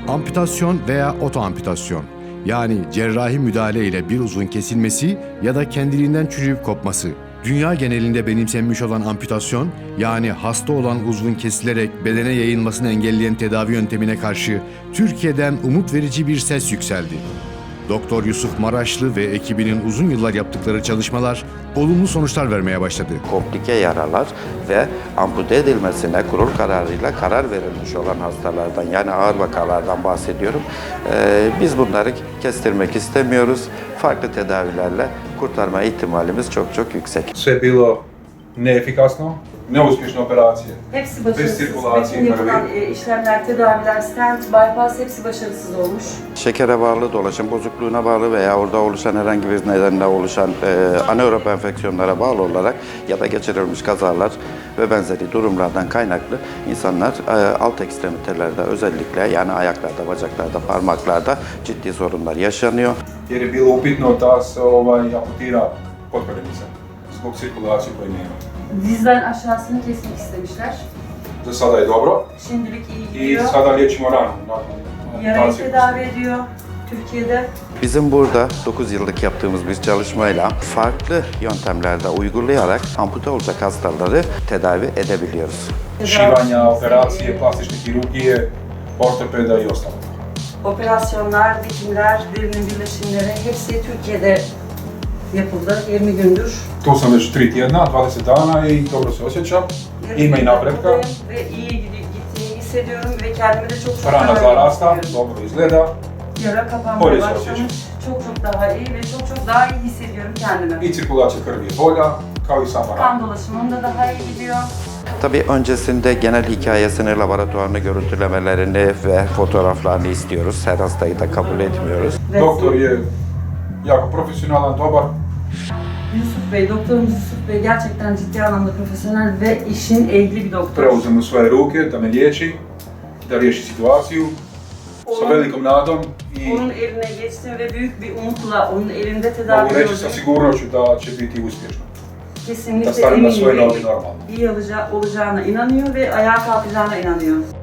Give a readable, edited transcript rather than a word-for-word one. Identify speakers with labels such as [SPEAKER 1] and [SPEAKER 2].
[SPEAKER 1] Amputasyon veya otoamputasyon, yani cerrahi müdahale ile bir uzvun kesilmesi ya da kendiliğinden çürüyüp kopması. Dünya genelinde benimsenmiş olan amputasyon, yani hasta olan uzvun kesilerek bedene yayılmasını engelleyen tedavi yöntemine karşı Türkiye'den umut verici bir ses yükseldi. Doktor Yusuf Maraşlı ve ekibinin uzun yıllar yaptıkları çalışmalar olumlu sonuçlar vermeye başladı.
[SPEAKER 2] Komplike yaralar ve ampute edilmesine kurul kararıyla karar verilmiş olan hastalardan, yani ağır vakalardan bahsediyorum. Biz bunları kestirmek istemiyoruz. Farklı tedavilerle kurtarma ihtimalimiz çok yüksek.
[SPEAKER 3] Sve bilo neefikasno, neuspješne operacije.
[SPEAKER 4] Hepsi
[SPEAKER 3] Bez
[SPEAKER 4] başarısız.
[SPEAKER 3] sirkülasyon
[SPEAKER 4] Bütün yapılan
[SPEAKER 3] krvi.
[SPEAKER 4] işlemler, tedaviler, stent, bypass hepsi başarısız olmuş.
[SPEAKER 2] Şekere bağlı, dolaşım bozukluğuna bağlı veya orada oluşan herhangi bir nedenle oluşan anaerob enfeksiyonlara bağlı olarak ya da geçirilmiş kazalar ve benzeri durumlardan kaynaklı insanlar alt ekstremitelerde özellikle, yani ayaklarda, bacaklarda, parmaklarda ciddi sorunlar yaşanıyor.
[SPEAKER 3] Jer je bilo upitno da se amputira potkoljenice zbog cirkulacije koje nema.
[SPEAKER 4] Dizden aşağısını kesmek istemişler.
[SPEAKER 3] Za sada je dobro
[SPEAKER 4] Şimdilik iyi
[SPEAKER 3] i
[SPEAKER 4] gidiyor.
[SPEAKER 3] sada liječimo ranu nakon
[SPEAKER 4] Yarayı
[SPEAKER 3] amputacije.
[SPEAKER 4] tedavi ediyor Türkiye'de.
[SPEAKER 2] Bizim burada 9 yıllık yaptığımız bir çalışmayla farklı yöntemlerde uygulayarak ampute olacak hastaları tedavi edebiliyoruz.
[SPEAKER 3] Šivanja, operacije, plastične kirurgije, ortopeda i ostalo.
[SPEAKER 4] Operasyonlar, dikimler, derinin birleşimleri hepsi Türkiye'de yapıldı 20 gündür.
[SPEAKER 3] Tu sam već 3 tjedna, 20 dana i dobro se osjećam. Ima i napretka.
[SPEAKER 4] Ve iyi gittiğini hissediyorum ve kendimi de çok
[SPEAKER 3] Rana
[SPEAKER 4] daha iyi
[SPEAKER 3] zarasta,
[SPEAKER 4] hissediyorum.
[SPEAKER 3] dobro izgleda.
[SPEAKER 4] Yara kapanmaya
[SPEAKER 3] Polis
[SPEAKER 4] başlamış.
[SPEAKER 3] osjećam.
[SPEAKER 4] Çok daha iyi ve çok daha iyi hissediyorum kendimi.
[SPEAKER 3] I cirkulacija krvi je bolja, kao i sama rana.
[SPEAKER 4] Kan dolaşımım da daha iyi gidiyor.
[SPEAKER 2] Tabii öncesinde genel hikayesini, laboratuvarını, görüntülemelerini ve fotoğraflarını istiyoruz. Her hastayı da kabul etmiyoruz.
[SPEAKER 3] Doktor je jako profesionalan, dobar.
[SPEAKER 4] Yusuf Bey, doktorumuz Yusuf Bey gerçekten ciddi anlamda profesyonel ve işin ehli bir doktor.
[SPEAKER 3] Preuzem u svoje ruke da me liječi, da riješi situaciju sa velikom nadom i
[SPEAKER 4] Onun eline geçtim ve büyük bir umutla onun elinde tedavi
[SPEAKER 3] mogu reći sa
[SPEAKER 4] gördüm.
[SPEAKER 3] sigurnošću da će biti uspješno. Da
[SPEAKER 4] Kesinlikle
[SPEAKER 3] stane na svoje
[SPEAKER 4] eminim
[SPEAKER 3] noge
[SPEAKER 4] ve
[SPEAKER 3] normalno.
[SPEAKER 4] iyi olacağına inanıyor ve ayağa kalkacağına inanıyor.